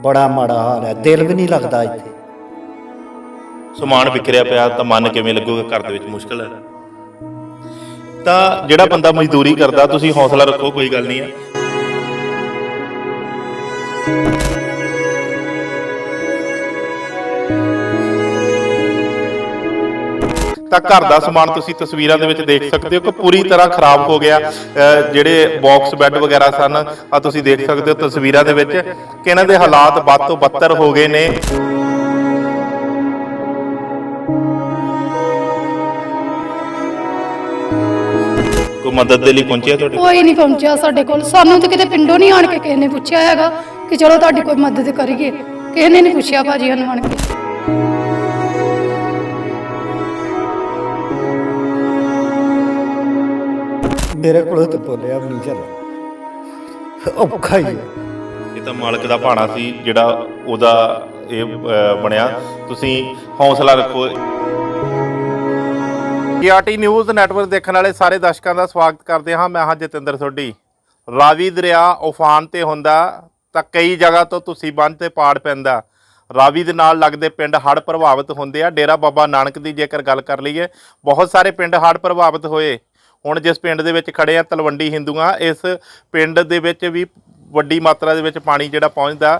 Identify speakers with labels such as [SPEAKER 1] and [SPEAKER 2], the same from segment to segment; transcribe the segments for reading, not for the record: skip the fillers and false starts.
[SPEAKER 1] बड़ा माड़ा हाल है, दिल भी नहीं लगता इत्थे।
[SPEAKER 2] समान विखरिया पिया तो मन किवें लगूगा, घर दे विच मुश्किल है। तो जिहड़ा बंदा मजदूरी करदा, तुसीं हौसला रखो, कोई गल नहीं है। ਤਾਂ ਘਰ ਦਾ ਸਮਾਨ ਤੁਸੀਂ ਤਸਵੀਰਾਂ ਦੇ ਵਿੱਚ ਦੇਖ ਸਕਦੇ ਹੋ ਕਿ ਪੂਰੀ ਤਰ੍ਹਾਂ ਖਰਾਬ ਹੋ ਗਿਆ। ਜਿਹੜੇ ਬਾਕਸ ਬੈੱਡ ਵਗੈਰਾ ਸਨ, ਆ ਤੁਸੀਂ ਦੇਖ ਸਕਦੇ ਹੋ ਤਸਵੀਰਾਂ ਦੇ ਵਿੱਚ ਕਿ ਇਹਨਾਂ ਦੇ ਹਾਲਾਤ ਵੱਧ ਤੋਂ ਬੱਤਰ ਹੋ ਗਏ ਨੇ। ਕੋਈ ਮਦਦ ਦੇ ਲਈ ਪਹੁੰਚਿਆ ਤੁਹਾਡੇ?
[SPEAKER 3] ਕੋਈ ਨਹੀਂ ਪਹੁੰਚਿਆ ਸਾਡੇ ਕੋਲ। ਸਾਨੂੰ ਤਾਂ ਕਿਤੇ ਪਿੰਡੋਂ ਨਹੀਂ ਆਣ ਕੇ ਕਿਸੇ ਨੇ ਪੁੱਛਿਆ ਹੈਗਾ ਕਿ ਚਲੋ ਤੁਹਾਡੀ ਕੋਈ ਮਦਦ ਕਰੀਏ। ਕਿਸੇ ਨੇ ਨਹੀਂ ਪੁੱਛਿਆ ਭਾਜੀ ਸਾਨੂੰ ਆਣ ਕੇ।
[SPEAKER 1] मेरे को तो बोलिया भी नहीं चल, औखा ही है।
[SPEAKER 2] ਇਹ ਤਾਂ ਮਾਲਕ ਦਾ ਭਾਣਾ ਸੀ ਜਿਹੜਾ ਉਹਦਾ ਇਹ ਬਣਿਆ। ਤੁਸੀਂ ਹੌਸਲਾ ਰੱਖੋ। KRT ਨਿਊਜ਼ ਨੈਟਵਰਕ ਦੇਖਣ ਵਾਲੇ ਸਾਰੇ ਦਰਸ਼ਕਾਂ ਦਾ ਸਵਾਗਤ ਕਰਦੇ ਹਾਂ। ਮੈਂ ਹਾਂ ਜਤਿੰਦਰ ਸੋਢੀ। ਰਾਵੀ ਦਰਿਆ ਉਫਾਨ ਤੇ ਹੁੰਦਾ ਤਾਂ ਕਈ ਜਗ੍ਹਾ ਤੋਂ ਤੁਸੀਂ ਬੰਨ੍ਹ ਤੇ ਪਾੜ ਪੈਂਦਾ। ਰਾਵੀ ਦੇ ਨਾਲ ਲੱਗਦੇ ਪਿੰਡ ਹੜ੍ਹ ਪ੍ਰਭਾਵਿਤ ਹੁੰਦੇ ਆ। ਡੇਰਾ ਬਾਬਾ ਨਾਨਕ ਦੀ ਜੇਕਰ ਗੱਲ ਕਰ ਲਈਏ, ਬਹੁਤ ਸਾਰੇ ਪਿੰਡ ਹੜ੍ਹ ਪ੍ਰਭਾਵਿਤ ਹੋਏ। ਹੁਣ ਜਿਸ ਪਿੰਡ ਦੇ ਵਿੱਚ ਖੜੇ ਆ ਤਲਵੰਡੀ ਹਿੰਦੂਆਂ, ਇਸ ਪਿੰਡ ਦੇ ਵਿੱਚ ਵੀ ਵੱਡੀ ਮਾਤਰਾ ਦੇ ਵਿੱਚ ਪਾਣੀ ਜਿਹੜਾ ਪਹੁੰਚਦਾ।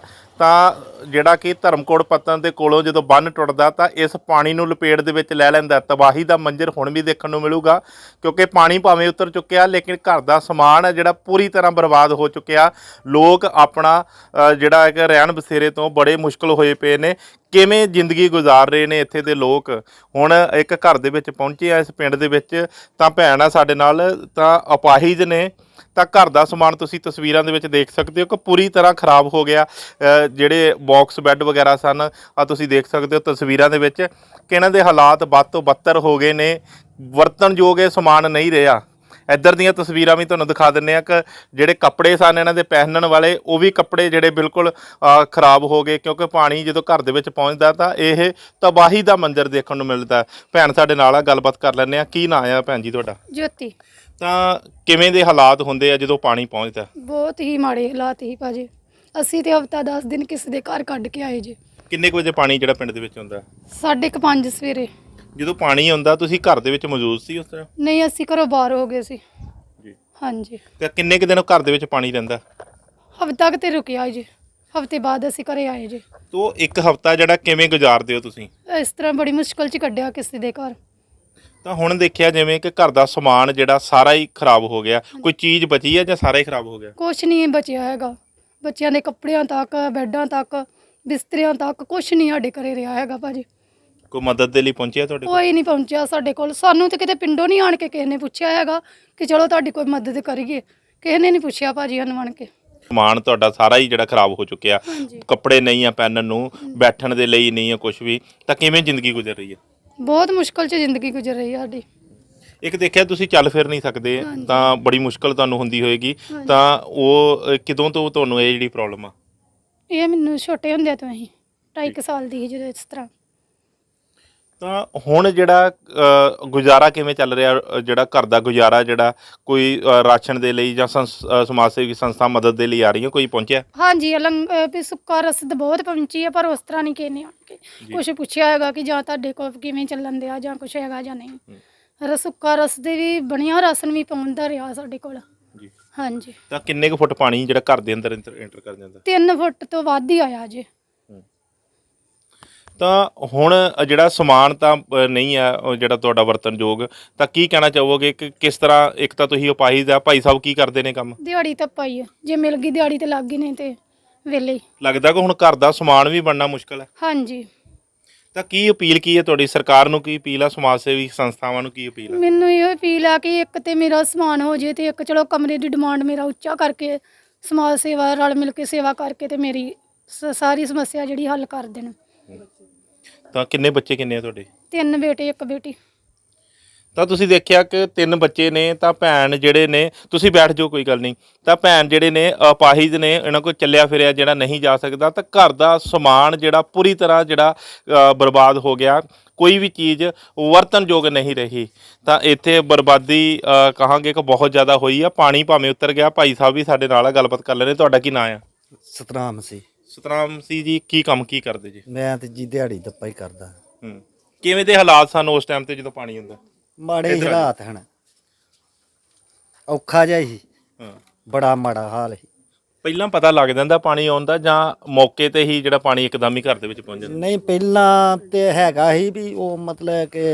[SPEAKER 2] ਤਾਂ ਜਿਹੜਾ ਕਿ ਧਰਮਕੋਟ ਪੱਤਨ ਦੇ ਕੋਲੋਂ ਜਦੋਂ ਬੰਨ੍ਹ ਟੁੱਟਦਾ ਤਾਂ ਇਸ ਪਾਣੀ ਨੂੰ ਲਪੇਟ ਦੇ ਵਿੱਚ ਲੈ ਲੈਂਦਾ। ਤਬਾਹੀ ਦਾ ਮੰਜ਼ਰ ਹੁਣ ਵੀ ਦੇਖਣ ਨੂੰ ਮਿਲੂਗਾ, ਕਿਉਂਕਿ ਪਾਣੀ ਭਾਵੇਂ ਉਤਰ ਚੁੱਕਿਆ ਲੇਕਿਨ ਘਰ ਦਾ ਸਮਾਨ ਹੈ ਜਿਹੜਾ ਪੂਰੀ ਤਰ੍ਹਾਂ ਬਰਬਾਦ ਹੋ ਚੁੱਕਿਆ। ਲੋਕ ਆਪਣਾ ਜਿਹੜਾ ਇੱਕ ਰਹਿਣ ਬਸੇਰੇ ਤੋਂ ਬੜੇ ਮੁਸ਼ਕਿਲ ਹੋਏ ਪਏ ਨੇ। ਕਿਵੇਂ ਜ਼ਿੰਦਗੀ ਗੁਜ਼ਾਰ ਰਹੇ ਨੇ ਇੱਥੇ ਦੇ ਲੋਕ। ਹੁਣ ਇੱਕ ਘਰ ਦੇ ਵਿੱਚ ਪਹੁੰਚੇ ਆ ਇਸ ਪਿੰਡ ਦੇ ਵਿੱਚ, ਤਾਂ ਭੈਣ ਆ ਸਾਡੇ ਨਾਲ, ਤਾਂ ਅਪਾਹਿਜ ਨੇ। ਤਾਂ ਘਰ ਦਾ ਸਮਾਨ ਤੁਸੀਂ ਤਸਵੀਰਾਂ ਦੇ ਵਿੱਚ ਦੇਖ ਸਕਦੇ ਹੋ ਕਿ ਪੂਰੀ ਤਰ੍ਹਾਂ ਖਰਾਬ ਹੋ ਗਿਆ। ਜਿਹੜੇ ਬਾਕਸ ਬੈੱਡ ਵਗੈਰਾ ਸਨ, ਆ ਤੁਸੀਂ ਦੇਖ ਸਕਦੇ ਹੋ ਤਸਵੀਰਾਂ ਦੇ ਵਿੱਚ ਕਿ ਇਹਨਾਂ ਦੇ ਹਾਲਾਤ ਵੱਧ ਤੋਂ ਬੱਤਰ ਹੋ ਗਏ ਨੇ। ਵਰਤਣਯੋਗ ਇਹ ਸਮਾਨ ਨਹੀਂ ਰਿਹਾ। ਇੱਧਰ ਦੀਆਂ ਤਸਵੀਰਾਂ ਵੀ ਤੁਹਾਨੂੰ ਦਿਖਾ ਦਿੰਦੇ ਆ ਕਿ ਜਿਹੜੇ ਕੱਪੜੇ ਸਨ ਇਹਨਾਂ ਦੇ ਪਹਿਨਣ ਵਾਲੇ, ਉਹ ਵੀ ਕੱਪੜੇ ਜਿਹੜੇ ਬਿਲਕੁਲ ਖਰਾਬ ਹੋ ਗਏ, ਕਿਉਂਕਿ ਪਾਣੀ ਜਦੋਂ ਘਰ ਦੇ ਵਿੱਚ ਪਹੁੰਚਦਾ ਤਾਂ ਇਹ ਤਬਾਹੀ ਦਾ ਮੰਜ਼ਰ ਦੇਖਣ ਨੂੰ ਮਿਲਦਾ। ਭੈਣ ਸਾਡੇ ਨਾਲ ਆ, ਗੱਲਬਾਤ ਕਰ ਲੈਂਦੇ ਆ। ਕੀ ਨਾਂ ਆ ਭੈਣ ਜੀ ਤੁਹਾਡਾ?
[SPEAKER 3] ਜੋਤੀ।
[SPEAKER 2] ਤਾਂ ਕਿਵੇਂ ਦੇ ਹਾਲਾਤ ਹੁੰਦੇ ਆ ਜਦੋਂ ਪਾਣੀ ਪਹੁੰਚਦਾ?
[SPEAKER 3] ਬਹੁਤ ਹੀ ਮਾੜੇ ਹਾਲਾਤ ਹੀ ਭਾਜੀ। ਅਸੀਂ ਤੇ ਹਫਤਾ 10 ਦਿਨ ਕਿਸੇ ਦੇ ਘਰ ਕੱਢ ਕੇ ਆਏ ਜੀ।
[SPEAKER 2] ਕਿੰਨੇ ਕੁ ਵਜੇ ਪਾਣੀ ਜਿਹੜਾ ਪਿੰਡ ਦੇ ਵਿੱਚ ਹੁੰਦਾ?
[SPEAKER 3] 5:30 ਸਵੇਰੇ।
[SPEAKER 2] ਜਦੋਂ ਪਾਣੀ ਆਉਂਦਾ ਤੁਸੀਂ ਘਰ ਦੇ ਵਿੱਚ ਮੌਜੂਦ ਸੀ ਉਸ ਤਰ੍ਹਾਂ?
[SPEAKER 3] ਨਹੀਂ, ਅਸੀਂ ਘਰੋਂ ਬਾਹਰ ਹੋ ਗਏ ਸੀ
[SPEAKER 2] ਜੀ।
[SPEAKER 3] ਹਾਂਜੀ।
[SPEAKER 2] ਤੇ ਕਿੰਨੇ ਕੁ ਦਿਨ ਘਰ ਦੇ ਵਿੱਚ ਪਾਣੀ ਰਹਿੰਦਾ?
[SPEAKER 3] ਹਫਤਾ ਕੁ ਤੇ ਰੁਕਿਆ ਜੀ, ਹਫਤੇ ਬਾਅਦ ਅਸੀਂ ਘਰੇ ਆਏ ਜੀ।
[SPEAKER 2] ਤੋ ਇੱਕ ਹਫਤਾ ਜਿਹੜਾ ਕਿਵੇਂ ਗੁਜ਼ਾਰਦੇ ਹੋ ਤੁਸੀਂ?
[SPEAKER 3] ਇਸ ਤਰ੍ਹਾਂ ਬੜੀ ਮੁਸ਼ਕਲ 'ਚ ਕੱਢਿਆ ਕਿਸੇ ਦੇ ਘਰ।
[SPEAKER 2] ਤਾਂ ਹੁਣ ਦੇਖਿਆ ਜਿਵੇਂ ਕਿ ਘਰ ਦਾ ਸਮਾਨ ਜਿਹੜਾ ਸਾਰਾ ਹੀ ਖਰਾਬ ਹੋ ਗਿਆ। ਕੋਈ ਚੀਜ਼ ਬਚੀ ਹੈ ਜਾਂ ਸਾਰਾ ਹੀ ਖਰਾਬ ਹੋ ਗਿਆ?
[SPEAKER 3] ਕੁਛ ਨਹੀਂ ਬਚਿਆ ਹੈਗਾ। ਬੱਚਿਆਂ ਦੇ ਕੱਪੜਿਆਂ ਤੱਕ, ਬੈੱਡਾਂ ਤੱਕ, ਬਿਸਤਰਿਆਂ ਤੱਕ ਕੁਛ ਨਹੀਂ ਸਾਡੇ ਘਰੇ ਰਿਹਾ ਹੈਗਾ ਭਾਜੀ।
[SPEAKER 2] ਕੋਈ ਮਦਦ ਦੇ ਲਈ ਪਹੁੰਚਿਆ ਤੁਹਾਡੇ ਕੋਲ?
[SPEAKER 3] ਕੋਈ ਨਹੀਂ ਪਹੁੰਚਿਆ ਸਾਡੇ ਕੋਲ। ਸਾਨੂੰ ਤਾਂ ਕਿਤੇ ਪਿੰਡੋਂ ਨਹੀਂ ਆਣ ਕੇ ਕਿਸੇ ਨੇ ਪੁੱਛਿਆ ਹੈਗਾ ਕਿ ਚਲੋ ਤੁਹਾਡੀ ਕੋਈ ਮਦਦ ਕਰੀਏ। ਕਿਸੇ ਨੇ ਨਹੀਂ ਪੁੱਛਿਆ ਭਾਜੀ ਸਾਨੂੰ ਆਣ ਕੇ।
[SPEAKER 2] ਸਮਾਨ ਤੁਹਾਡਾ ਸਾਰਾ ਹੀ ਜਿਹੜਾ ਖਰਾਬ ਹੋ ਚੁੱਕਿਆ।
[SPEAKER 3] ਹਾਂਜੀ।
[SPEAKER 2] ਕੱਪੜੇ ਨਹੀਂ ਆ ਪਹਿਨਣ ਨੂੰ, ਬੈਠਣ ਦੇ ਲਈ ਨਹੀਂ ਆ ਕੁਝ ਵੀ। ਤਾਂ ਕਿਵੇਂ ਜ਼ਿੰਦਗੀ ਗੁਜ਼ਰ ਰਹੀ ਹੈ?
[SPEAKER 3] ਬਹੁਤ ਮੁਸ਼ਕਲ 'ਚ ਜ਼ਿੰਦਗੀ ਗੁਜ਼ਰ ਰਹੀ ਹੈ ਸਾਡੀ।
[SPEAKER 2] ਇੱਕ ਦੇਖਿਆ ਤੁਸੀਂ ਚੱਲ ਫਿਰ ਨਹੀਂ ਸਕਦੇ,
[SPEAKER 3] ਹਾਂਜੀ।
[SPEAKER 2] ਤਾਂ ਬੜੀ ਮੁਸ਼ਕਲ ਤੁਹਾਨੂੰ ਹੁੰਦੀ ਹੋਏਗੀ।
[SPEAKER 3] ਹਾਂਜੀ।
[SPEAKER 2] ਤਾਂ ਉਹ ਕਿਦੋਂ ਤੋਂ ਤੁਹਾਨੂੰ ਇਹ ਜਿਹੜੀ ਪ੍ਰੋਬਲਮ ਆ?
[SPEAKER 3] ਇਹ ਮੈਨੂੰ ਛੋਟੇ ਹੁੰਦਿਆਂ ਤੋਂ ਹੀ 2.5 ਸਾਲ ਦੀ ਸੀ ਜਦੋਂ ਇਸ ਤਰ੍ਹਾਂ।
[SPEAKER 2] ਤਾਂ ਹੁਣ ਜਿਹੜਾ ਗੁਜ਼ਾਰਾ ਕਿਵੇਂ ਚੱਲ ਰਿਹਾ? ਜਿਹੜਾ ਘਰ ਦਾ ਗੁਜ਼ਾਰਾ, ਜਿਹੜਾ ਕੋਈ ਰਾਸ਼ਨ ਦੇ ਲਈ ਜਾਂ ਸਮਾਜ ਸੇਵੀ ਸੰਸਥਾ ਮਦਦ ਦੇ ਲਈ ਆ ਰਹੀ ਹੈ, ਕੋਈ ਪਹੁੰਚਿਆ?
[SPEAKER 3] ਹਾਂਜੀ, ਵੀ ਸੁੱਕਾ ਰਸਦ ਬਹੁਤ ਪਹੁੰਚੀ ਹੈ, ਪਰ ਉਸ ਤਰ੍ਹਾਂ ਨਹੀਂ ਕਿਸੇ ਨੇ ਆਣ ਕੇ ਕੁਛ ਪੁੱਛਿਆ ਹੈਗਾ ਕਿ ਜਾਂ ਤੁਹਾਡੇ ਕੋਲ ਕਿਵੇਂ ਚੱਲਣ ਦਿਆ ਜਾਂ ਕੁਛ ਹੈਗਾ ਜਾਂ ਨਹੀਂ। ਸੁੱਕਾ ਰਸਦ ਵੀ ਬਣਿਆ, ਰਾਸ਼ਨ ਵੀ ਪਹੁੰਚਦਾ ਰਿਹਾ ਸਾਡੇ ਕੋਲ।
[SPEAKER 2] ਜੀ।
[SPEAKER 3] ਹਾਂਜੀ।
[SPEAKER 2] ਤਾਂ ਕਿੰਨੇ ਕੁ ਫੁੱਟ ਪਾਣੀ ਜਿਹੜਾ ਘਰ ਦੇ ਅੰਦਰ ਐਂਟਰ ਕਰ ਜਾਂਦਾ?
[SPEAKER 3] 3 ਫੁੱਟ ਤੋਂ ਵੱਧ ਹੀ ਆਇਆ ਜੇ।
[SPEAKER 2] ਤਾਂ ਹੁਣ ਜਿਹੜਾ ਸਮਾਨ ਤਾਂ ਨਹੀਂ ਆ ਉਹ ਜਿਹੜਾ ਤੁਹਾਡਾ ਵਰਤਨਯੋਗ, ਤਾਂ ਕੀ ਕਹਿਣਾ ਚਾਹੋਗੇ ਕਿ ਕਿਸ ਤਰ੍ਹਾਂ? ਇੱਕ ਤਾਂ ਤੁਸੀਂ ਅਪਾਹਿਜ ਆ, ਭਾਈ ਸਾਹਿਬ ਕੀ ਕਰਦੇ ਨੇ ਕੰਮ?
[SPEAKER 3] ਦਿਹਾੜੀ ਤਾਂ ਪਾਈ ਹੈ, ਜੇ ਮਿਲ ਗਈ ਦਿਹਾੜੀ ਤੇ ਲੱਗ ਗਈ, ਨਹੀਂ ਤੇ ਵਿਹਲੇ ਹੀ।
[SPEAKER 2] ਲੱਗਦਾ ਕਿ ਹੁਣ ਘਰ ਦਾ ਸਮਾਨ ਵੀ ਬਣਨਾ ਮੁਸ਼ਕਲ ਹੈ।
[SPEAKER 3] ਹਾਂਜੀ।
[SPEAKER 2] ਤਾਂ ਕੀ ਅਪੀਲ ਕੀ ਹੈ ਤੁਹਾਡੀ? ਸਰਕਾਰ ਨੂੰ ਕੀ ਅਪੀਲ ਆ? ਸਮਾਜ ਸੇਵੀ ਸੰਸਥਾਵਾਂ ਨੂੰ ਕੀ ਅਪੀਲ ਆ?
[SPEAKER 3] ਮੈਨੂੰ ਇਹ ਅਪੀਲ ਆ ਕਿ ਇੱਕ ਤੇ ਮੇਰਾ ਸਮਾਨ ਹੋ ਜੇ, ਤੇ ਇੱਕ ਚਲੋ ਕਮਰੇ ਦੀ ਡਿਮਾਂਡ ਮੇਰਾ ਉੱਚਾ ਕਰਕੇ ਸਮਾਜ ਸੇਵਾ ਰਲ ਮਿਲ ਕੇ ਸੇਵਾ ਕਰਕੇ ਤੇ ਮੇਰੀ ਸਾਰੀ ਸਮੱਸਿਆ ਜਿਹੜੀ ਹੱਲ ਕਰ ਦੇਣ।
[SPEAKER 2] ਤਾਂ ਕਿੰਨੇ ਬੱਚੇ ਕਿੰਨੇ ਆ ਤੁਹਾਡੇ?
[SPEAKER 3] 3 ਬੇਟੇ 1 ਬੇਟੀ।
[SPEAKER 2] ਤਾਂ ਤੁਸੀਂ ਦੇਖਿਆ ਕਿ 3 ਬੱਚੇ ਨੇ। ਤਾਂ ਭੈਣ ਜਿਹੜੇ ਨੇ, ਤੁਸੀਂ ਬੈਠ ਜਾਓ ਕੋਈ ਗੱਲ ਨਹੀਂ, ਤਾਂ ਭੈਣ ਜਿਹੜੇ ਨੇ ਅਪਾਹਿਜ ਨੇ, ਇਹਨਾਂ ਕੋਲ ਚੱਲਿਆ ਫਿਰਿਆ ਜਿਹੜਾ ਨਹੀਂ ਜਾ ਸਕਦਾ। ਤਾਂ ਘਰ ਦਾ ਸਮਾਨ ਜਿਹੜਾ ਪੂਰੀ ਤਰ੍ਹਾਂ ਜਿਹੜਾ ਬਰਬਾਦ ਹੋ ਗਿਆ। ਕੋਈ ਵੀ ਚੀਜ਼ ਵਰਤਨਯੋਗ ਨਹੀਂ ਰਹੀ। ਤਾਂ ਇੱਥੇ ਬਰਬਾਦੀ ਕਹਾਂਗੇ ਕਿ ਬਹੁਤ ਜ਼ਿਆਦਾ ਹੋਈ ਆ। ਪਾਣੀ ਭਾਵੇਂ ਉਤਰ ਗਿਆ। ਭਾਈ ਸਾਹਿਬ ਵੀ ਸਾਡੇ ਨਾਲ ਆ, ਗੱਲਬਾਤ ਕਰ ਲੈਣੇ। ਤੁਹਾਡਾ ਕੀ ਨਾਂ ਆ?
[SPEAKER 1] ਸਤਨਾਮ ਸੀ।
[SPEAKER 2] ਸਤਨਾਮ ਸਿੰਘ ਜੀ ਕੀ ਕੰਮ ਕੀ ਕਰਦੇ ਜੀ?
[SPEAKER 1] ਮੈਂ ਤੇ ਜੀ ਦਿਹਾੜੀ ਦੱਪਾ ਹੀ ਕਰਦਾ।
[SPEAKER 2] ਕਿਵੇਂ ਦੇ ਹਾਲਾਤ ਸਨ ਉਸ ਟਾਈਮ ਤੇ ਜਦੋਂ ਪਾਣੀ ਹੁੰਦਾ?
[SPEAKER 1] ਮਾੜੇ ਹੀ ਹਾਲਾਤ ਹਨ, ਔਖਾ ਜਿਹਾ ਸੀ,
[SPEAKER 2] ਹਾਂ,
[SPEAKER 1] ਬੜਾ ਮਾੜਾ ਹਾਲ ਸੀ।
[SPEAKER 2] ਪਹਿਲਾਂ ਪਤਾ ਲੱਗ ਜਾਂਦਾ ਪਾਣੀ ਆਉਣ ਦਾ ਜਾਂ ਮੌਕੇ ਤੇ ਹੀ ਜਿਹੜਾ ਪਾਣੀ ਇੱਕਦਮ ਹੀ ਘਰ ਦੇ ਵਿੱਚ ਪਹੁੰਚ ਜਾਂਦਾ?
[SPEAKER 1] ਨਹੀਂ, ਪਹਿਲਾਂ ਤੇ ਹੈਗਾ ਸੀ ਵੀ ਉਹ ਮਤਲਬ ਕਿ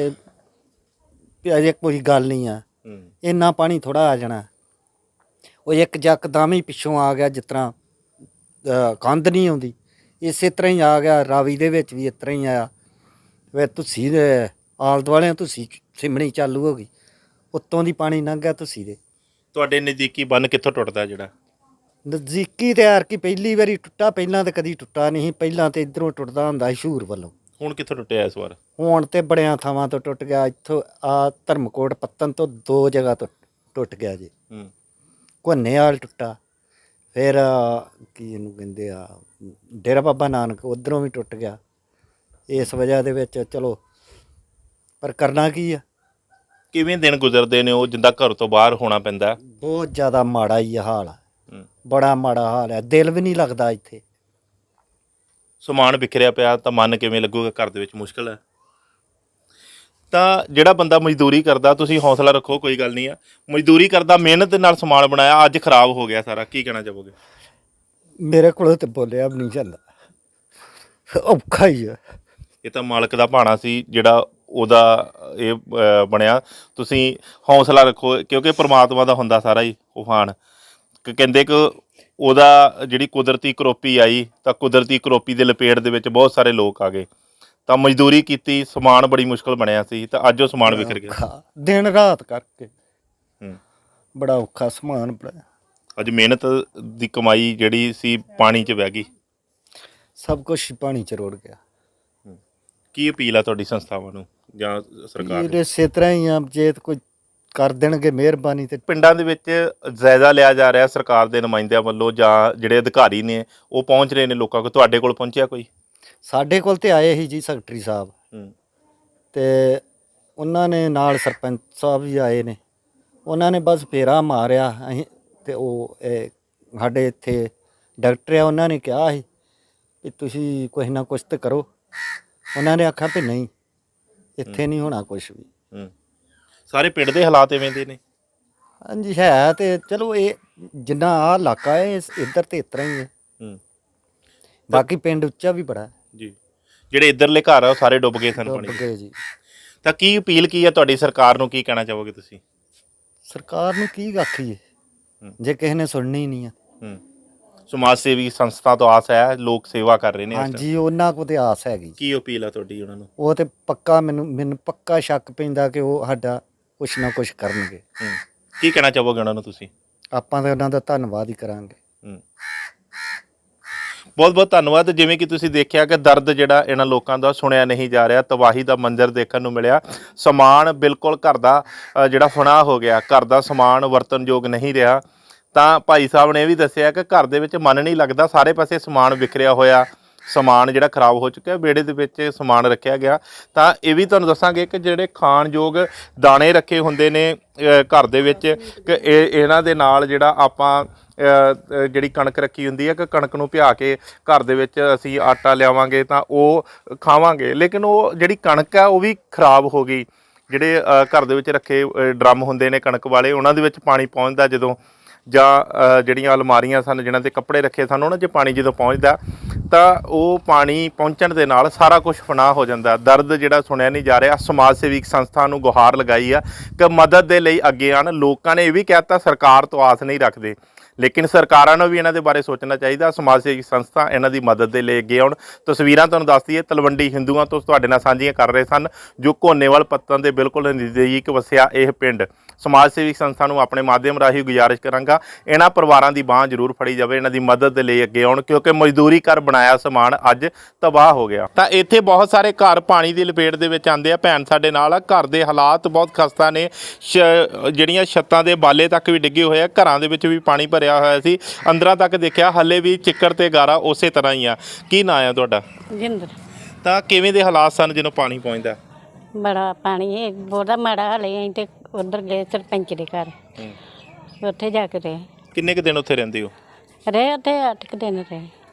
[SPEAKER 1] ਵੀ ਅਜੇ ਕੋਈ ਗੱਲ ਨਹੀਂ ਆ, ਇੰਨਾ ਪਾਣੀ ਥੋੜਾ ਆ ਜਾਣਾ। ਉਹ ਇੱਕ ਯਕਦਮ ਹੀ ਪਿੱਛੋਂ ਆ ਗਿਆ, ਜਿਸ ਤਰ੍ਹਾਂ ਕੰਧ ਨਹੀਂ ਆਉਂਦੀ ਇਸੇ ਤਰ੍ਹਾਂ ਹੀ ਆ ਗਿਆ। ਰਾਵੀ ਦੇ ਵਿੱਚ ਵੀ ਇਸ ਤਰ੍ਹਾਂ ਹੀ ਆਇਆ ਵੇ, ਤੁਸੀਂ ਦੇ ਆਲ ਦੁਆਲਿਆਂ ਤੁਸੀਂ ਸਿਮਣੀ ਚਾਲੂ ਹੋ ਗਈ, ਉੱਤੋਂ ਦੀ ਪਾਣੀ ਲੰਘ ਗਿਆ ਤੁਸੀਂ ਦੇ।
[SPEAKER 2] ਤੁਹਾਡੇ ਨਜ਼ਦੀਕੀ ਬੰਨ ਕਿੱਥੋਂ ਟੁੱਟਦਾ ਜਿਹੜਾ?
[SPEAKER 1] ਨਜ਼ਦੀਕੀ ਤਿਆਰ ਕੀ ਪਹਿਲੀ ਵਾਰੀ ਟੁੱਟਾ, ਪਹਿਲਾਂ ਤਾਂ ਕਦੀ ਟੁੱਟਾ ਨਹੀਂ। ਪਹਿਲਾਂ ਤੇ ਇਧਰੋਂ ਟੁੱਟਦਾ ਹੁੰਦਾ ਸੀ ਸ਼ੂਰ ਵੱਲੋਂ।
[SPEAKER 2] ਹੁਣ ਕਿੱਥੋਂ ਟੁੱਟਿਆ ਇਸ ਵਾਰ?
[SPEAKER 1] ਹੁਣ ਤੇ ਬੜਿਆਂ ਥਾਵਾਂ ਤੋਂ ਟੁੱਟ ਗਿਆ। ਇੱਥੋਂ ਆ ਧਰਮਕੋਟ ਪੱਤਨ ਤੋਂ 2 ਜਗ੍ਹਾ ਤੋਂ ਟੁੱਟ ਗਿਆ ਜੀ। ਘੁੰਨੇਵਾਲ ਟੁੱਟਾ, ਫਿਰ ਕੀ ਇਹਨੂੰ ਕਹਿੰਦੇ ਆ ਡੇਰਾ ਬਾਬਾ ਨਾਨਕ, ਉਧਰੋਂ ਵੀ ਟੁੱਟ ਗਿਆ। ਇਸ ਵਜ੍ਹਾ ਦੇ ਵਿੱਚ ਚਲੋ, ਪਰ ਕਰਨਾ ਕੀ ਆ।
[SPEAKER 2] ਕਿਵੇਂ ਦਿਨ ਗੁਜ਼ਰਦੇ ਨੇ ਉਹ ਜਿੰਦਾ ਘਰ ਤੋਂ ਬਾਹਰ ਹੋਣਾ ਪੈਂਦਾ?
[SPEAKER 1] ਬਹੁਤ ਜ਼ਿਆਦਾ ਮਾੜਾ ਹੀ ਹਾਲ ਆ, ਬੜਾ ਮਾੜਾ ਹਾਲ ਹੈ। ਦਿਲ ਵੀ ਨਹੀਂ ਲੱਗਦਾ ਇੱਥੇ।
[SPEAKER 2] ਸਮਾਨ ਵਿਖਰਿਆ ਪਿਆ ਤਾਂ ਮਨ ਕਿਵੇਂ ਲੱਗੂਗਾ? ਘਰ ਦੇ ਵਿੱਚ ਮੁਸ਼ਕਲ ਹੈ। ਤਾਂ ਜਿਹੜਾ ਬੰਦਾ ਮਜ਼ਦੂਰੀ ਕਰਦਾ, ਤੁਸੀਂ ਹੌਸਲਾ ਰੱਖੋ, ਕੋਈ ਗੱਲ ਨਹੀਂ ਆ, ਮਜ਼ਦੂਰੀ ਕਰਦਾ, ਮਿਹਨਤ ਦੇ ਨਾਲ ਸਮਾਨ ਬਣਾਇਆ, ਅੱਜ ਖਰਾਬ ਹੋ ਗਿਆ ਸਾਰਾ, ਕੀ ਕਹਿਣਾ ਚਾਹੋਗੇ?
[SPEAKER 1] ਮੇਰੇ ਕੋਲ ਤੇ ਬੋਲਿਆ ਵੀ ਨਹੀਂ ਜਾਂਦਾ, ਔਖਾ ਹੀ ਆ।
[SPEAKER 2] ਇਹ ਤਾਂ ਮਾਲਕ ਦਾ ਭਾਣਾ ਸੀ ਜਿਹੜਾ ਉਹਦਾ ਇਹ ਬਣਿਆ। ਤੁਸੀਂ ਹੌਸਲਾ ਰੱਖੋ, ਕਿਉਂਕਿ ਪ੍ਰਮਾਤਮਾ ਦਾ ਹੁੰਦਾ ਸਾਰਾ ਹੀ ਉਫਾਨ। ਕਹਿੰਦੇ ਕਿ ਉਹਦਾ ਜਿਹੜੀ ਕੁਦਰਤੀ ਕਰੋਪੀ ਆਈ ਤਾਂ ਕੁਦਰਤੀ ਕਰੋਪੀ ਦੇ ਲਪੇਟ ਦੇ ਵਿੱਚ ਬਹੁਤ ਸਾਰੇ ਲੋਕ ਆ ਗਏ। ਤਾਂ ਮਜ਼ਦੂਰੀ ਕੀਤੀ, ਸਮਾਨ ਬੜੀ ਮੁਸ਼ਕਲ ਬਣਿਆ ਸੀ, ਤਾਂ ਅੱਜ ਉਹ ਸਮਾਨ ਵਿਖਰ ਗਿਆ।
[SPEAKER 1] ਦਿਨ ਰਾਤ ਕਰਕੇ ਬੜਾ ਔਖਾ ਸਮਾਨ ਬਣਾਇਆ।
[SPEAKER 2] ਅੱਜ ਮਿਹਨਤ ਦੀ ਕਮਾਈ ਜਿਹੜੀ ਸੀ ਪਾਣੀ 'ਚ ਵਹਿ ਗਈ,
[SPEAKER 1] ਸਭ ਕੁਝ ਪਾਣੀ 'ਚ ਰੁੜ ਗਿਆ।
[SPEAKER 2] ਕੀ ਅਪੀਲ ਆ ਤੁਹਾਡੀ ਸੰਸਥਾਵਾਂ ਨੂੰ ਜਾਂ ਸਰਕਾਰ ਨੂੰ?
[SPEAKER 1] ਇਸੇ ਤਰ੍ਹਾਂ ਹੀ ਆ, ਜੇ ਕੋਈ ਕਰ ਦੇਣਗੇ ਮਿਹਰਬਾਨੀ। ਤੇ
[SPEAKER 2] ਪਿੰਡਾਂ ਦੇ ਵਿੱਚ ਜਾਇਜ਼ਾ ਲਿਆ ਜਾ ਰਿਹਾ ਸਰਕਾਰ ਦੇ ਨੁਮਾਇੰਦਿਆਂ ਵੱਲੋਂ ਜਾਂ ਜਿਹੜੇ ਅਧਿਕਾਰੀ ਨੇ ਉਹ ਪਹੁੰਚ ਰਹੇ ਨੇ ਲੋਕਾਂ ਕੋਲ, ਤੁਹਾਡੇ ਕੋਲ ਪਹੁੰਚਿਆ ਕੋਈ?
[SPEAKER 1] ਸਾਡੇ ਕੋਲ ਤੇ ਆਏ ਸੀ ਜੀ ਸੈਕਟਰੀ ਸਾਹਿਬ, ਤੇ ਉਹਨਾਂ ਨੇ ਨਾਲ ਸਰਪੰਚ ਸਾਹਿਬ ਵੀ ਆਏ ਨੇ। ਉਹਨਾਂ ਨੇ ਬਸ ਫੇਰਾ ਮਾਰਿਆ। ਅਸੀਂ ਤੇ ਉਹ ਸਾਡੇ ਇੱਥੇ ਡਾਕਟਰ ਆ, ਉਹਨਾਂ ਨੇ ਕਿਹਾ ਸੀ ਵੀ ਤੁਸੀਂ ਕੁਛ ਨਾ ਕੁਛ ਤਾਂ ਕਰੋ। ਉਹਨਾਂ ਨੇ ਆਖਿਆ ਵੀ ਨਹੀਂ, ਇੱਥੇ ਨਹੀਂ ਹੋਣਾ ਕੁਛ ਵੀ।
[SPEAKER 2] ਸਾਰੇ ਪਿੰਡ ਦੇ ਹਾਲਾਤ ਇਵੇਂ ਦੇ ਨੇ?
[SPEAKER 1] ਹਾਂਜੀ ਹੈ, ਤੇ ਚਲੋ ਇਹ ਜਿੰਨਾ ਆਹ ਇਲਾਕਾ ਹੈ ਇੱਧਰ ਤੇ ਇਸ ਤਰ੍ਹਾਂ ਹੀ ਹੈ। ਬਾਕੀ ਪਿੰਡ ਉੱਚਾ ਵੀ ਬੜਾ
[SPEAKER 2] ਜੀ। ਜਿਹੜੇ ਇੱਧਰਲੇ ਘਰ ਆ ਉਹ ਸਾਰੇ ਡੁੱਬ ਗਏ ਸਨ ਪਾਣੀ
[SPEAKER 1] ਗਏ ਜੀ।
[SPEAKER 2] ਤਾਂ ਕੀ ਅਪੀਲ ਕੀ ਹੈ ਤੁਹਾਡੀ ਸਰਕਾਰ ਨੂੰ, ਕੀ ਕਹਿਣਾ ਚਾਹੋਗੇ ਤੁਸੀਂ?
[SPEAKER 1] ਸਰਕਾਰ ਨੂੰ ਕੀ ਆਖੀਏ ਜੇ ਕਿਸੇ ਨੇ ਸੁਣਨੀ ਨਹੀਂ ਆ।
[SPEAKER 2] ਸਮਾਜ ਸੇਵੀ ਸੰਸਥਾ ਤੋਂ ਆਸ ਹੈ, ਲੋਕ ਸੇਵਾ ਕਰ ਰਹੇ ਨੇ।
[SPEAKER 1] ਹਾਂਜੀ, ਉਹਨਾਂ ਕੋਲ ਤੇ ਆਸ ਹੈਗੀ।
[SPEAKER 2] ਕੀ ਅਪੀਲ ਆ ਤੁਹਾਡੀ ਉਹਨਾਂ ਨੂੰ?
[SPEAKER 1] ਉਹ ਤੇ ਪੱਕਾ ਮੈਨੂੰ ਪੱਕਾ ਸ਼ੱਕ ਪੈਂਦਾ ਕਿ ਉਹ ਸਾਡਾ ਕੁਛ ਨਾ ਕੁਛ ਕਰਨਗੇ।
[SPEAKER 2] ਕੀ ਕਹਿਣਾ ਚਾਹੋਗੇ ਉਹਨਾਂ ਨੂੰ ਤੁਸੀਂ?
[SPEAKER 1] ਆਪਾਂ ਤਾਂ ਉਹਨਾਂ ਦਾ ਧੰਨਵਾਦ ਹੀ ਕਰਾਂਗੇ।
[SPEAKER 2] ਬਹੁਤ ਬਹੁਤ ਧੰਨਵਾਦ। ਜਿਵੇਂ ਕਿ ਤੁਸੀਂ ਦੇਖਿਆ ਕਿ ਦਰਦ ਜਿਹੜਾ ਇਹਨਾਂ ਲੋਕਾਂ ਦਾ ਸੁਣਿਆ ਨਹੀਂ ਜਾ ਰਿਹਾ, ਤਬਾਹੀ ਦਾ ਮੰਜ਼ਰ ਦੇਖਣ ਨੂੰ ਮਿਲਿਆ। ਸਮਾਨ ਬਿਲਕੁਲ ਘਰ ਦਾ ਜਿਹੜਾ ਫਨਾਹ ਹੋ ਗਿਆ, ਘਰ ਦਾ ਸਮਾਨ ਵਰਤਨਯੋਗ ਨਹੀਂ ਰਿਹਾ। ਤਾਂ ਭਾਈ ਸਾਹਿਬ ਨੇ ਇਹ ਵੀ ਦੱਸਿਆ ਕਿ ਘਰ ਦੇ ਵਿੱਚ ਮਨ ਨਹੀਂ ਲੱਗਦਾ, ਸਾਰੇ ਪਾਸੇ ਸਮਾਨ ਵਿਖਰਿਆ ਹੋਇਆ, ਸਮਾਨ ਜਿਹੜਾ ਖਰਾਬ ਹੋ ਚੁੱਕਿਆ, ਵਿਹੜੇ ਦੇ ਵਿੱਚ ਸਮਾਨ ਰੱਖਿਆ ਗਿਆ। ਤਾਂ ਇਹ ਵੀ ਤੁਹਾਨੂੰ ਦੱਸਾਂਗੇ ਕਿ ਜਿਹੜੇ ਖਾਣਯੋਗ ਦਾਣੇ ਰੱਖੇ ਹੁੰਦੇ ਨੇ ਘਰ ਦੇ ਵਿੱਚ, ਕਿ ਇਹਨਾਂ ਦੇ ਨਾਲ ਜਿਹੜਾ ਆਪਾਂ ਜਿਹੜੀ ਕਣਕ ਰੱਖੀ ਹੁੰਦੀ ਹੈ, ਕਿ ਕਣਕ ਨੂੰ ਭਿਆ ਕੇ ਘਰ ਦੇ ਵਿੱਚ ਅਸੀਂ ਆਟਾ ਲਿਆਵਾਂਗੇ ਤਾਂ ਉਹ ਖਾਵਾਂਗੇ, ਲੇਕਿਨ ਉਹ ਜਿਹੜੀ ਕਣਕ ਹੈ ਉਹ ਵੀ ਖਰਾਬ ਹੋ ਗਈ। ਜਿਹੜੇ ਘਰ ਦੇ ਵਿੱਚ ਰੱਖੇ ਡਰਮ ਹੁੰਦੇ ਨੇ ਕਣਕ ਵਾਲੇ, ਉਹਨਾਂ ਦੇ ਵਿੱਚ ਪਾਣੀ ਪਹੁੰਚਦਾ ਜਦੋਂ, ਜਾਂ ਜਿਹੜੀਆਂ ਅਲਮਾਰੀਆਂ ਸਨ ਜਿਨ੍ਹਾਂ 'ਤੇ ਕੱਪੜੇ ਰੱਖੇ ਸਨ, ਉਹਨਾਂ 'ਚ ਪਾਣੀ ਜਦੋਂ ਪਹੁੰਚਦਾ ਤਾਂ ਉਹ ਪਾਣੀ ਪਹੁੰਚਣ ਦੇ ਨਾਲ ਸਾਰਾ ਕੁਝ ਫਨਾਹ ਹੋ ਜਾਂਦਾ। ਦਰਦ ਜਿਹੜਾ ਸੁਣਿਆ ਨਹੀਂ ਜਾ ਰਿਹਾ। ਸਮਾਜ ਸੇਵੀ ਸੰਸਥਾ ਨੂੰ ਗੁਹਾਰ ਲਗਾਈ ਆ ਕਿ ਮਦਦ ਦੇ ਲਈ ਅੱਗੇ ਆਉਣ। ਲੋਕਾਂ ਨੇ ਇਹ ਵੀ ਕਹਿ ਦਿੱਤਾ ਸਰਕਾਰ ਤੋਂ ਆਸ ਨਹੀਂ ਰੱਖਦੇ, ਲੇਕਿਨ ਸਰਕਾਰਾਂ ਨੂੰ ਵੀ ਇਹਨਾਂ ਦੇ ਬਾਰੇ ਸੋਚਣਾ ਚਾਹੀਦਾ। ਸਮਾਜ ਸੇਵੀ ਸੰਸਥਾ ਇਹਨਾਂ ਦੀ ਮਦਦ ਦੇ ਲਈ ਅੱਗੇ ਆਉਣ। ਤਸਵੀਰਾਂ ਤੁਹਾਨੂੰ ਦੱਸ ਦਈਏ, ਤਲਵੰਡੀ ਹਿੰਦੂਆਂ ਤੋਂ ਤੁਹਾਡੇ ਨਾਲ ਸਾਂਝੀਆਂ ਕਰ ਰਹੇ ਸਨ, ਜੋ ਘੋਨੇਵਾਲ ਪੱਤਨ ਦੇ ਬਿਲਕੁਲ ਨਜ਼ਦੀਕ ਵਸਿਆ ਇਹ ਪਿੰਡ। ਸਮਾਜ ਸੇਵੀ ਸੰਸਥਾ ਨੂੰ ਆਪਣੇ ਮਾਧਿਅਮ ਰਾਹੀਂ ਗੁਜ਼ਾਰਿਸ਼ ਕਰਾਂਗਾ, ਇਹਨਾਂ ਪਰਿਵਾਰਾਂ ਦੀ ਬਾਂਹ ਜ਼ਰੂਰ ਫੜੀ ਜਾਵੇ, ਇਹਨਾਂ ਦੀ ਮਦਦ ਦੇ ਲਈ ਅੱਗੇ ਆਉਣ, ਕਿਉਂਕਿ ਮਜ਼ਦੂਰੀ ਕਰ ਬਣਾਇਆ ਸਮਾਨ ਅੱਜ ਤਬਾਹ ਹੋ ਗਿਆ। ਤਾਂ ਇੱਥੇ ਬਹੁਤ ਸਾਰੇ ਘਰ ਪਾਣੀ ਦੀ ਲਪੇਟ ਦੇ ਵਿੱਚ ਆਉਂਦੇ ਆ। ਭੈਣ ਸਾਡੇ ਨਾਲ ਆ, ਘਰ ਦੇ ਹਾਲਾਤ ਬਹੁਤ ਖਸਤਾ ਨੇ। ਜਿਹੜੀਆਂ ਛੱਤਾਂ ਦੇ ਬਾਲੇ ਤੱਕ ਵੀ ਡਿੱਗੇ ਹੋਏ ਆ, ਘਰਾਂ ਦੇ ਵਿੱਚ ਵੀ ਪਾਣੀ ਭਰਿਆ ਹੋਇਆ ਸੀ, ਅੰਦਰਾਂ ਤੱਕ ਦੇਖਿਆ ਹੱਲੇ ਵੀ ਚਿੱਕੜ ਤੇ ਗਾਰਾ ਉਸੇ ਤਰ੍ਹਾਂ ਹੀ ਆ। ਕੀ ਨਾਂ ਆ ਤੁਹਾਡਾ?
[SPEAKER 4] ਜਿੰਦਰ।
[SPEAKER 2] ਤਾਂ ਕਿਵੇਂ ਦੇ ਹਾਲਾਤ ਸਨ ਜਦੋਂ ਪਾਣੀ ਪਹੁੰਚਦਾ?
[SPEAKER 4] ਬੜਾ ਪਾਣੀ ਹੈ, ਬਹੁਤਾ ਮਾੜਾ ਹਾਲ ਹੈ। ਅਸੀਂ ਤੇ ਉੱਧਰ ਗਏ ਸਰਪੰਚ ਦੇ ਘਰ, ਉੱਥੇ ਜਾ ਕੇ ਰਹੇ।
[SPEAKER 2] ਕਿੰਨੇ ਕੁ ਦਿਨ ਉੱਥੇ ਰਹਿੰਦੇ ਹੋ?
[SPEAKER 4] ਰਹੇ ਉੱਥੇ 8 ਕੁ ਦਿਨ ਰਹੇ।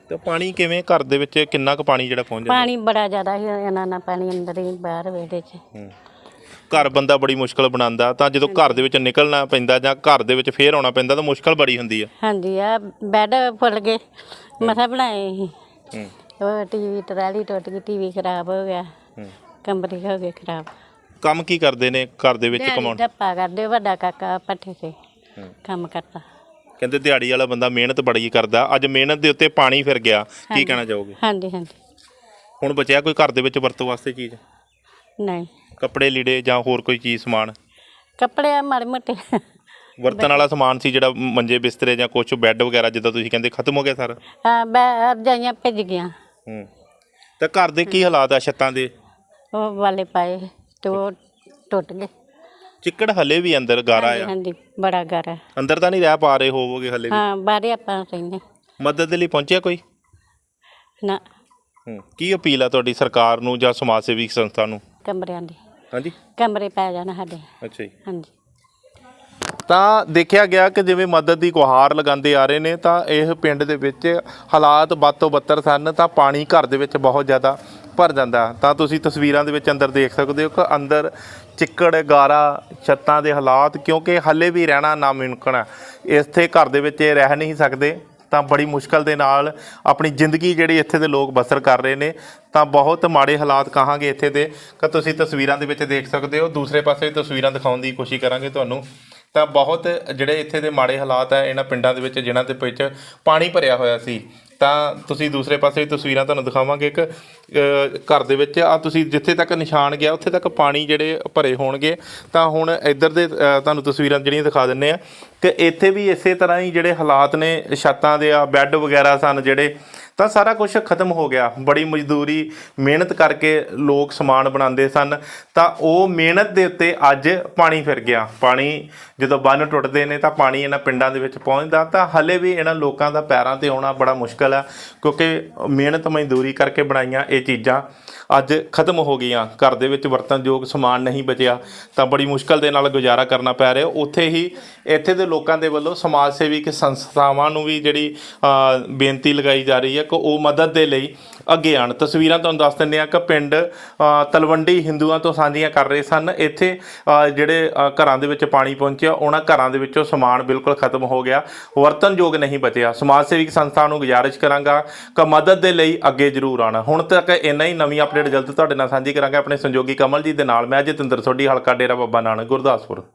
[SPEAKER 2] ਤੇ ਪਾਣੀ ਕਿਵੇਂ ਘਰ ਦੇ ਵਿੱਚ ਕਿੰਨਾ ਕੁ ਪਾਣੀ ਜਿਹੜਾ ਪਹੁੰਚ ਜਾਂਦਾ?
[SPEAKER 4] ਪਾਣੀ ਬੜਾ ਜ਼ਿਆਦਾ ਸੀ, ਇਹਨਾਂ ਨਾਲ ਪਾਣੀ ਅੰਦਰ ਹੀ ਬਾਹਰ ਵਿਹੜੇ 'ਚ।
[SPEAKER 2] ਘਰ ਬੰਦਾ ਬੜੀ ਮੁਸ਼ਕਲ ਬਣਾਉਂਦਾ, ਤਾਂ ਜਦੋਂ ਘਰ ਦੇ ਵਿੱਚ ਨਿਕਲਣਾ ਪੈਂਦਾ ਜਾਂ ਘਰ ਦੇ ਵਿੱਚ ਫੇਰ ਆਉਣਾ ਪੈਂਦਾ ਤਾਂ ਮੁਸ਼ਕਲ ਬੜੀ ਹੁੰਦੀ ਆ।
[SPEAKER 4] ਹਾਂਜੀ, ਆ ਬੈੱਡ ਫੁੱਲ ਗਏ, ਮਸਾਂ ਬਣਾਏ ਸੀ। ਉਹ ਟੀਵੀ ਟਰਾਲੀ ਟੁੱਟ ਗਈ, ਟੀਵੀ ਖਰਾਬ ਹੋ ਗਿਆ, ਕਮਰੇ ਹੋ ਗਏ ਖਰਾਬ।
[SPEAKER 2] ਕੰਮ ਕੀ ਕਰਦੇ ਨੇ ਘਰ ਦੇ ਵਿੱਚ ਕਮਾਉਣ?
[SPEAKER 4] ਧੱਪਾ ਕਰਦੇ, ਵੱਡਾ ਕਾਕਾ ਪੱਠੇ 'ਤੇ ਕੰਮ ਕਰਦਾ।
[SPEAKER 2] ਕਹਿੰਦੇ ਦਿਹਾੜੀ ਵਾਲਾ ਬੰਦਾ ਮਿਹਨਤ ਬੜੀ ਕਰਦਾ, ਅੱਜ ਮਿਹਨਤ ਦੇ ਉੱਤੇ ਪਾਣੀ ਫਿਰ ਗਿਆ, ਕੀ ਕਹਿਣਾ ਚਾਹੋਗੇ?
[SPEAKER 4] ਹਾਂਜੀ ਹਾਂਜੀ।
[SPEAKER 2] ਹੁਣ ਬਚਿਆ ਕੋਈ ਘਰ ਦੇ ਵਿੱਚ ਵਰਤੋਂ ਵਾਸਤੇ ਚੀਜ਼?
[SPEAKER 4] ਨਹੀਂ,
[SPEAKER 2] ਕੱਪੜੇ ਲੀੜੇ ਜਾਂ ਹੋਰ ਕੋਈ ਚੀਜ਼ ਸਮਾਨ?
[SPEAKER 4] ਕੱਪੜੇ ਆ ਮਾੜੇ ਮੋਟੇ
[SPEAKER 2] ਵਰਤਣ ਵਾਲਾ ਸਮਾਨ ਸੀ ਜਿਹੜਾ ਮੰਜੇ ਬਿਸਤਰੇ ਜਾਂ ਕੁਛ ਬੈੱਡ ਵਗੈਰਾ ਜਿੱਦਾਂ ਤੁਸੀਂ ਕਹਿੰਦੇ ਖਤਮ ਹੋ ਗਿਆ ਸਾਰਾ?
[SPEAKER 4] ਹਾਂ, ਰਜਾਈਆਂ ਭਿੱਜ ਗਈਆਂ।
[SPEAKER 2] ਤਾਂ ਘਰ ਦੇ ਕੀ ਹਾਲਾਤ ਆ ਛੱਤਾਂ ਦੇ?
[SPEAKER 4] ਉਹ ਵਾਲੇ ਪਾਏ ਤੇ ਉਹ ਟੁੱਟ ਗਏ।
[SPEAKER 2] ਚਿੱਕੜ ਹਲੇ ਵੀ ਅੰਦਰ ਗਾਰਾ ਆ?
[SPEAKER 4] ਹਾਂਜੀ, ਬੜਾ ਗਾਰਾ।
[SPEAKER 2] ਅੰਦਰ ਤਾਂ ਨਹੀਂ ਰਹਿ ਪਾ ਰਹੇ ਹੋਵੋਗੇ ਹਲੇ ਵੀ?
[SPEAKER 4] ਹਾਂ, ਬਾਹਰੇ ਆਪਾਂ ਰਹਿੰਦੇ।
[SPEAKER 2] ਮਦਦ ਦੇ ਲਈ ਪਹੁੰਚਿਆ ਕੋਈ?
[SPEAKER 4] ਨਾ।
[SPEAKER 2] ਕੀ ਅਪੀਲ ਆ ਤੁਹਾਡੀ ਸਰਕਾਰ ਨੂੰ ਜਾਂ ਸਮਾਜ ਸੇਵੀ ਸੰਸਥਾ ਨੂੰ?
[SPEAKER 4] ਕਮਰਿਆਂ ਦੇ
[SPEAKER 2] ਹਾਂਜੀ,
[SPEAKER 4] ਕਮਰੇ ਪੈ ਜਾਣ ਸਾਡੇ।
[SPEAKER 2] ਅੱਛਾ ਜੀ।
[SPEAKER 4] ਹਾਂਜੀ।
[SPEAKER 2] ਤਾਂ ਦੇਖਿਆ ਗਿਆ ਕਿ ਜਿਵੇਂ ਮਦਦ ਦੀ ਗੁਹਾਰ ਲਗਾਉਂਦੇ ਆ ਰਹੇ ਨੇ, ਤਾਂ ਇਹ ਪਿੰਡ ਦੇ ਵਿੱਚ ਹਾਲਾਤ ਬਦ ਤੋਂ ਬੱਤਰ ਸਨ, ਤਾਂ ਪਾਣੀ ਘਰ ਦੇ ਵਿੱਚ ਬਹੁਤ ਜ਼ਿਆਦਾ ਭਰ ਜਾਂਦਾ। ਤਾਂ ਤੁਸੀਂ ਤਸਵੀਰਾਂ ਦੇ ਵਿੱਚ ਅੰਦਰ ਦੇਖ ਸਕਦੇ ਹੋ ਕਿ ਅੰਦਰ ਚਿੱਕੜ ਗਾਰਾ, ਛੱਤਾਂ ਦੇ ਹਾਲਾਤ, ਕਿਉਂਕਿ ਹੱਲੇ ਵੀ ਰਹਿਣਾ ਨਾਮੁਮਕਿਨ ਹੈ। ਇੱਥੇ ਘਰ ਦੇ ਵਿੱਚ ਇਹ ਰਹਿ ਨਹੀਂ ਸਕਦੇ, ਤਾਂ ਬੜੀ ਮੁਸ਼ਕਲ ਦੇ ਨਾਲ ਆਪਣੀ ਜ਼ਿੰਦਗੀ ਜਿਹੜੀ ਇੱਥੇ ਦੇ ਲੋਕ ਬਸਰ ਕਰ ਰਹੇ ਨੇ। ਤਾਂ ਬਹੁਤ ਮਾੜੇ ਹਾਲਾਤ ਕਹਾਂਗੇ ਇੱਥੇ ਦੇ, ਕਿ ਤੁਸੀਂ ਤਸਵੀਰਾਂ ਦੇ ਵਿੱਚ ਦੇਖ ਸਕਦੇ ਹੋ। ਦੂਸਰੇ ਪਾਸੇ ਤਸਵੀਰਾਂ ਦਿਖਾਉਣ ਦੀ ਕੋਸ਼ਿਸ਼ ਕਰਾਂਗੇ ਤੁਹਾਨੂੰ। ਤਾਂ ਬਹੁਤ ਜਿਹੜੇ ਇੱਥੇ ਦੇ ਮਾੜੇ ਹਾਲਾਤ ਹੈ ਇਹਨਾਂ ਪਿੰਡਾਂ ਦੇ ਵਿੱਚ, ਜਿਨ੍ਹਾਂ ਦੇ ਵਿੱਚ ਪਾਣੀ ਭਰਿਆ ਹੋਇਆ ਸੀ। ਤਾਂ ਤੁਸੀਂ ਦੂਸਰੇ ਪਾਸੇ ਤਸਵੀਰਾਂ ਤੁਹਾਨੂੰ ਦਿਖਾਵਾਂਗੇ ਕਿ ਘਰ ਦੇ ਵਿੱਚ ਆ ਤੁਸੀਂ ਜਿੱਥੇ ਤੱਕ ਨਿਸ਼ਾਨ ਗਿਆ ਉੱਥੇ ਤੱਕ ਪਾਣੀ ਜਿਹੜੇ ਭਰੇ ਹੋਣਗੇ। ਤਾਂ ਹੁਣ ਇੱਧਰ ਦੇ ਤੁਹਾਨੂੰ ਤਸਵੀਰਾਂ ਜਿਹੜੀਆਂ ਦਿਖਾ ਦਿੰਦੇ ਆ ਕਿ ਇੱਥੇ ਵੀ ਇਸੇ ਤਰ੍ਹਾਂ ਹੀ ਜਿਹੜੇ ਹਾਲਾਤ ਨੇ, ਛੱਤਾਂ ਦੇ ਆ ਬੈੱਡ ਵਗੈਰਾ ਸਨ ਜਿਹੜੇ, ਤਾਂ ਸਾਰਾ ਕੁਝ ਖਤਮ ਹੋ ਗਿਆ। ਬੜੀ ਮਜ਼ਦੂਰੀ ਮਿਹਨਤ ਕਰਕੇ ਲੋਕ ਸਮਾਨ ਬਣਾਉਂਦੇ ਸਨ, ਤਾਂ ਉਹ ਮਿਹਨਤ ਦੇ ਉੱਤੇ ਅੱਜ ਪਾਣੀ ਫਿਰ ਗਿਆ। ਪਾਣੀ ਜਦੋਂ ਬੰਨ੍ਹ ਟੁੱਟਦੇ ਨੇ ਤਾਂ ਪਾਣੀ ਇਹਨਾਂ ਪਿੰਡਾਂ ਦੇ ਵਿੱਚ ਪਹੁੰਚਦਾ, ਤਾਂ ਹਲੇ ਵੀ ਇਹਨਾਂ ਲੋਕਾਂ ਦਾ ਪੈਰਾਂ 'ਤੇ ਆਉਣਾ ਬੜਾ ਮੁਸ਼ਕਲ ਆ, ਕਿਉਂਕਿ ਮਿਹਨਤ ਮਜ਼ਦੂਰੀ ਕਰਕੇ ਬਣਾਈਆਂ ਇਹ ਚੀਜ਼ਾਂ ਅੱਜ ਖਤਮ ਹੋ ਗਈਆਂ। ਘਰ ਦੇ ਵਿੱਚ ਵਰਤਣਯੋਗ ਸਮਾਨ ਨਹੀਂ ਬਚਿਆ, ਤਾਂ ਬੜੀ ਮੁਸ਼ਕਲ ਦੇ ਨਾਲ ਗੁਜ਼ਾਰਾ ਕਰਨਾ ਪੈ ਰਿਹਾ। ਉੱਥੇ ਹੀ ਇੱਥੇ ਦੇ ਲੋਕਾਂ ਦੇ ਵੱਲੋਂ ਸਮਾਜ ਸੇਵੀ ਸੰਸਥਾਵਾਂ ਨੂੰ ਵੀ ਜਿਹੜੀ ਬੇਨਤੀ ਲਗਾਈ ਜਾ ਰਹੀ ਹੈ ਕਿ ਉਹ ਮਦਦ ਦੇ ਲਈ ਅੱਗੇ ਆਉਣ। ਤਸਵੀਰਾਂ ਤੁਹਾਨੂੰ ਦੱਸ ਦਿੰਦੇ ਹਾਂ ਕਿ ਪਿੰਡ ਤਲਵੰਡੀ ਹਿੰਦੂਆਂ ਤੋਂ ਸਾਂਝੀਆਂ ਕਰ ਰਹੇ ਸਨ। ਇੱਥੇ ਜਿਹੜੇ ਘਰਾਂ ਦੇ ਵਿੱਚ ਪਾਣੀ ਪਹੁੰਚਿਆ, ਉਹਨਾਂ ਘਰਾਂ ਦੇ ਵਿੱਚੋਂ ਸਮਾਨ ਬਿਲਕੁਲ ਖਤਮ ਹੋ ਗਿਆ, ਵਰਤਣਯੋਗ ਨਹੀਂ ਬਚਿਆ। ਸਮਾਜ ਸੇਵੀ ਸੰਸਥਾ ਨੂੰ ਗੁਜ਼ਾਰਿਸ਼ ਕਰਾਂਗਾ ਕਿ ਮਦਦ ਦੇ ਲਈ ਅੱਗੇ ਜ਼ਰੂਰ ਆਉਣਾ। ਹੁਣ ਤੱਕ ਇੰਨਾ ਹੀ, ਨਵੀਂ ਅਪਡੇਟ ਜਲਦ ਤੁਹਾਡੇ ਨਾਲ ਸਾਂਝੀ ਕਰਾਂਗੇ ਆਪਣੇ ਸੰਯੋਗੀ ਕਮਲ ਜੀ ਦੇ ਨਾਲ। ਮੈਂ ਜਤਿੰਦਰ ਸੋਢੀ, ਹਲਕਾ ਡੇਰਾ ਬਾਬਾ ਨਾਨਕ, ਗੁਰਦਾਸਪੁਰ।